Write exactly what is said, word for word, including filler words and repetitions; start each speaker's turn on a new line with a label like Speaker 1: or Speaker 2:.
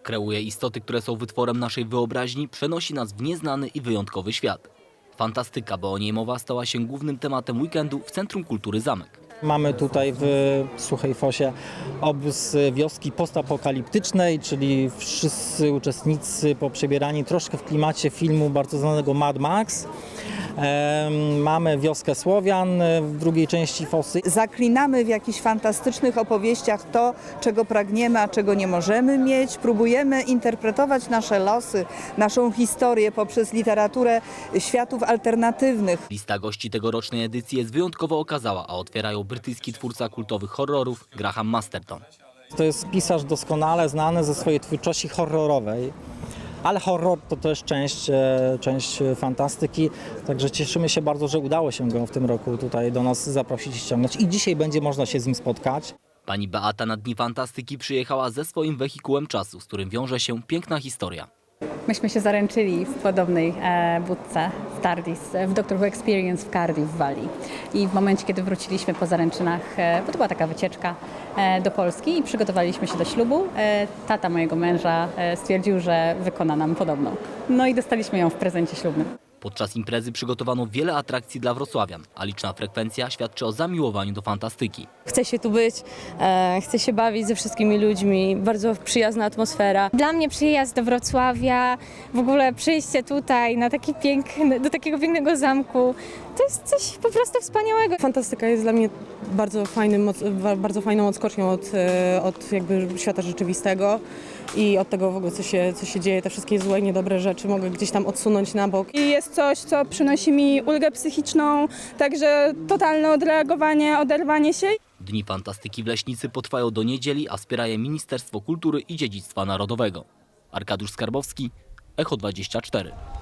Speaker 1: Kreuje istoty, które są wytworem naszej wyobraźni, przenosi nas w nieznany i wyjątkowy świat. Fantastyka, bo o niej mowa, stała się głównym tematem weekendu w Centrum Kultury Zamek.
Speaker 2: Mamy tutaj w Suchej Fosie obóz wioski postapokaliptycznej, czyli wszyscy uczestnicy poprzebierani troszkę w klimacie filmu bardzo znanego Mad Max. Mamy wioskę Słowian w drugiej części Fosy.
Speaker 3: Zaklinamy w jakichś fantastycznych opowieściach to, czego pragniemy, a czego nie możemy mieć. Próbujemy interpretować nasze losy, naszą historię poprzez literaturę światów alternatywnych.
Speaker 1: Lista gości tegorocznej edycji jest wyjątkowo okazała, a otwierają brytyjski twórca kultowych horrorów Graham Masterton.
Speaker 2: To jest pisarz doskonale znany ze swojej twórczości horrorowej. Ale horror to też część, część fantastyki, także cieszymy się bardzo, że udało się go w tym roku tutaj do nas zaprosić i ściągnąć. I dzisiaj będzie można się z nim spotkać.
Speaker 1: Pani Beata na Dni Fantastyki przyjechała ze swoim wehikułem czasu, z którym wiąże się piękna historia.
Speaker 4: Myśmy się zaręczyli w podobnej e, budce w Tardis, w Doctor Who Experience w Cardiff w Walii. I w momencie, kiedy wróciliśmy po zaręczynach, e, bo to była taka wycieczka e, do Polski i przygotowaliśmy się do ślubu, e, tata mojego męża e, stwierdził, że wykona nam podobną. No i dostaliśmy ją w prezencie ślubnym.
Speaker 1: Podczas imprezy przygotowano wiele atrakcji dla wrocławian, a liczna frekwencja świadczy o zamiłowaniu do fantastyki.
Speaker 5: Chcę się tu być, e, chcę się bawić ze wszystkimi ludźmi, bardzo przyjazna atmosfera.
Speaker 6: Dla mnie przyjazd do Wrocławia, w ogóle przyjście tutaj na taki piękny, do takiego pięknego zamku, to jest coś po prostu wspaniałego.
Speaker 7: Fantastyka jest dla mnie bardzo, fajnym, bardzo fajną odskocznią od, od jakby świata rzeczywistego i od tego w ogóle, co się, co się dzieje, te wszystkie złe i niedobre rzeczy mogę gdzieś tam odsunąć na bok.
Speaker 8: I jest coś, co przynosi mi ulgę psychiczną, także totalne odreagowanie, oderwanie się.
Speaker 1: Dni Fantastyki w Leśnicy potrwają do niedzieli, a wspiera je Ministerstwo Kultury i Dziedzictwa Narodowego. Arkadiusz Skarbowski, Echo dwadzieścia cztery.